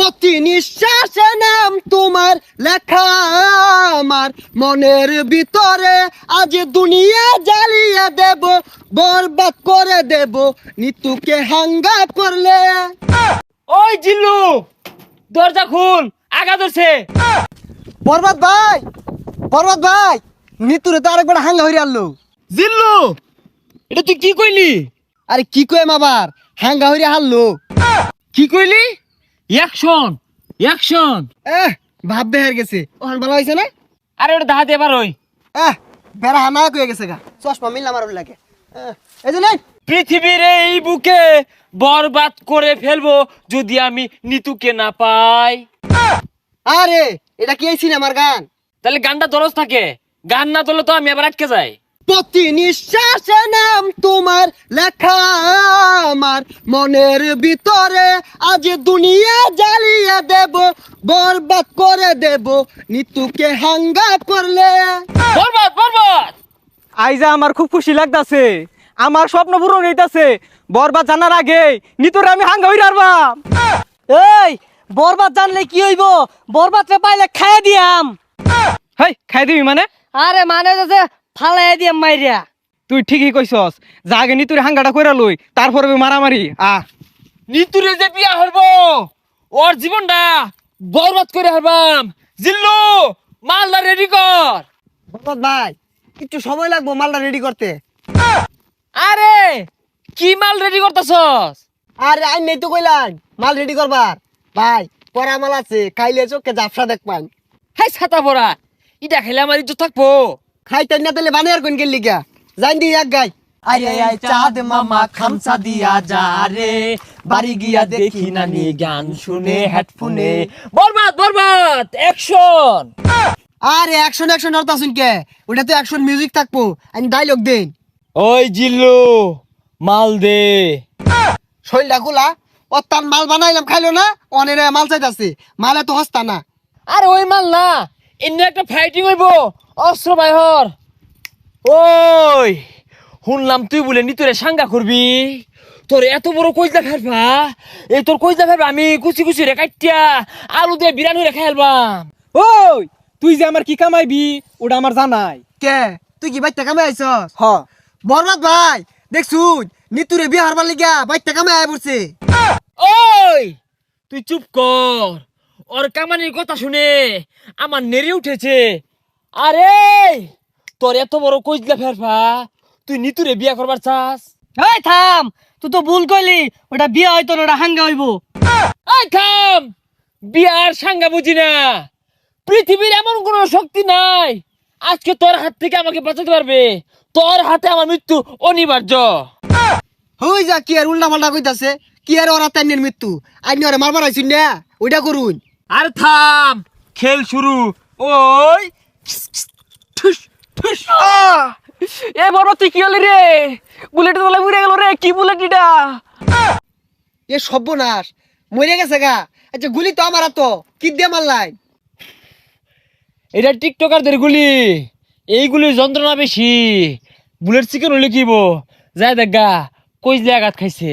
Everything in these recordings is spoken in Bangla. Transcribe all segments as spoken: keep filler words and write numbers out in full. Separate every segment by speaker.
Speaker 1: প্রতি নিঃশ্বাসে নাম তোমার লেখা আমার মনের ভিতরে, আজ দুনিয়া জ্বালিয়ে দেব, বরবাদ করে দেব নিতুকে হাঙ্গা করলে।
Speaker 2: ওই জিল্লু, দরজা খুল, আগা ধরছে।
Speaker 1: বরবাদ ভাই, বরবাদ ভাই, নিতুরে তো আরেকবার হাঙ্গা হইরে আনলো।
Speaker 2: জিল্লু, এটা তুই কি কইলি?
Speaker 1: আরে কি কইম আবার, হাঙ্গা হইরে হারলো।
Speaker 2: কি কইলি? Action, action.
Speaker 1: এহ ভাব বেহার গেছে, ওখান ভালো হয়েছে না?
Speaker 2: আরে ওটা দাহাতে এবার ওই
Speaker 1: এহ বেড়া হানা কয়ে গেছে গা, চশমা মিললাম আর লাগে। এহ, এই যে নেই।
Speaker 2: পৃথিবীর এই বুকে বরবাদ করে ফেলবো যদি আমি নিতুকে না পাই।
Speaker 1: আরে এটা কি এই সিনেমার গান?
Speaker 2: তাহলে গানটা দরজ থাকে, গান না তোলে তো আমি আবার আটকে যাই।
Speaker 1: প্রতি নিঃশ্বাসে নাম তোমার লেখা আমার মনের ভিতরে, আজ দুনিয়া জ্বালিয়ে দেব, বরবাদ করে দেব নিতুকে হাঙ্গা করলে।
Speaker 2: বরবাদ, বরবাদ।
Speaker 3: আইজা আমার খুব খুশি লাগতাছে, আমার স্বপ্ন পূরণ হইতাছে। বরবাদ জানার আগে নিতরে আমি হাঙ্গা হইরা আরবাম।
Speaker 4: এই বরবাদ জানলে কি হইব? বরবাদরে পাইলে খাইয়া দিয়াম।
Speaker 3: হেই খাই দিবি মানে?
Speaker 4: আরে মানে যে ফালাই দিয়াম মাইরিয়া।
Speaker 3: তুই ঠিকই কইছস, যা আগে নিতুরে হাঙ্গাটা কইরা লই, তারপরে মারামারি। আ
Speaker 2: নিতুরে যে বিয়া হইবো, ওর জীবনটা বরবাদ করে হারবাম। জিল্লু, মালদা রেডি কর।
Speaker 1: বরবাদ ভাই একটু সময় লাগবো মালটা রেডি করতে।
Speaker 2: আরে কি মাল রেডি করতেছস?
Speaker 1: আরে আই নেই তো কইলাম মাল রেডি করবার। ভাই পরা মাল আছে, খাইলে চোখে জাফসা দেখবান।
Speaker 2: হাই ছাতা পড়া, ইটা খেলে আমার ইজ্জত থাকবো।
Speaker 1: খাইতেন না তাহলে বানিয়ার কোন গেলি গা, জান দি এক গাই।
Speaker 5: আরে আয় চাঁদ মামা খামসা দিয়া যা রে, বাড়ি গিয়া দেখি নানি গান শুনে হেডফোনে।
Speaker 2: বরবাদ, বরবাদ, অ্যাকশন।
Speaker 1: আরে অ্যাকশন অ্যাকশন হরতা শুন কে, ওটা তো অ্যাকশন মিউজিক থাকবো, আমি ডায়লগ দেন।
Speaker 2: ওই জিল্লু, মাল দে।
Speaker 1: শৈলটা গুলা ও তার মাল বানাইলাম খাইলো না, অনেক মাল চাইতাছে, মালে তো হস্তা না।
Speaker 2: আরে ওই মাল না, এমনি একটা ফাইটিং হইবো, অস্ত্র বাইহর। ওই শুনলাম তুই বলে নিতুরে সাঙ্গা করবি, তোর এত বড় কইজা ফেলবা, এই তোর কইজা ফেলবা আমি কুচি কুচি রে কাটিয়া আলু দিয়ে বিরানি রে খাইলবাম।
Speaker 3: ওই তুই যে আমার কি কামাইবি ওটা আমার জানাই।
Speaker 1: কে তুই কি বাইতে কামে আইছস?
Speaker 3: হ
Speaker 1: বরবাদ ভাই দেখছুন নিতুরে বিয়ে হারবার লিগা বাইতে কামে আয় পড়ছে।
Speaker 2: ওই তুই চুপ কর, ওর কামানির কথা শুনে আমার নেড়ে উঠেছে। আরে তোর এত বড় কইজলা ফেরফা, তুই নিতুরে বিয়া করবার চাস?
Speaker 4: এই থাম, তুই তো ভুল কইলি, ওটা বিয়া হইতো না, ওটা হাঙ্গা হইব।
Speaker 2: এই থাম, বিয়ার সাঙ্গা বুঝি না। পৃথিবীর এমন কোন শক্তি নাই আজকে তোর হাত থেকে আমাকে বাঁচাতে পারবে। তোর হাতে আমার মৃত্যু অনিবার্য।
Speaker 1: হই যা কি আর উল্টা পাল্টা কইতাছে, কি আর ওরা তাইনের মৃত্যু, আইনি ওরা মারবার আইছুন না, ওইটা করুন।
Speaker 2: আর থাম, খেল শুরু। ওই ঠুস ঠুস।
Speaker 3: এ বরবাদ তুই কি হলি রে? বুলেট তোলা উড়ে গেল রে, কি বুলেট এটা?
Speaker 1: এ সর্বনাশ, মরে গেছে গা। আচ্ছা গুলি তো আমার তো কি দিয়ে মারলাই?
Speaker 2: এটা টিকটকারদের গুলি, এইগুলির যন্ত্রণা বেশি। বুলেট চিকেন হলে কিব যায় দেখা কইজলে আঘাত খাইছে।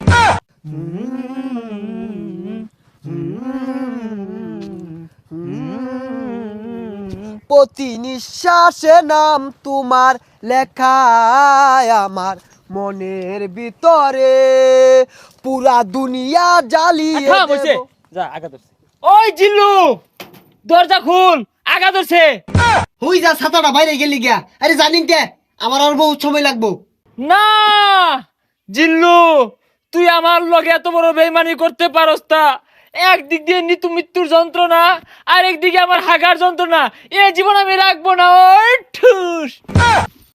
Speaker 1: প্রতি নিঃশ্বাসে নাম তোমার লেখা আমার মনের ভিতরে, পুরা দুনিয়া জ্বালিয়ে
Speaker 2: থাম হইছে,
Speaker 1: দেব।
Speaker 2: যা আঘাত ধরছে। ওই জিল্লু, দরজা খুল, আঘাত ধরছে।
Speaker 1: হই যা ছাতাটা বাইরে গেলি গিয়া। আরে জানিন কে আমার আর বহুত সময় লাগবো।
Speaker 2: না জিল্লু, তুই আমার লগে এত বড় বেইমানি করতে পারস না। একদিক দিয়ে নিতু মৃত্যুর যন্ত্রণা, আর একদিকে আমার হাগার যন্ত্রণা, এ জীবন আমি রাখবো না। ওই ঠুস।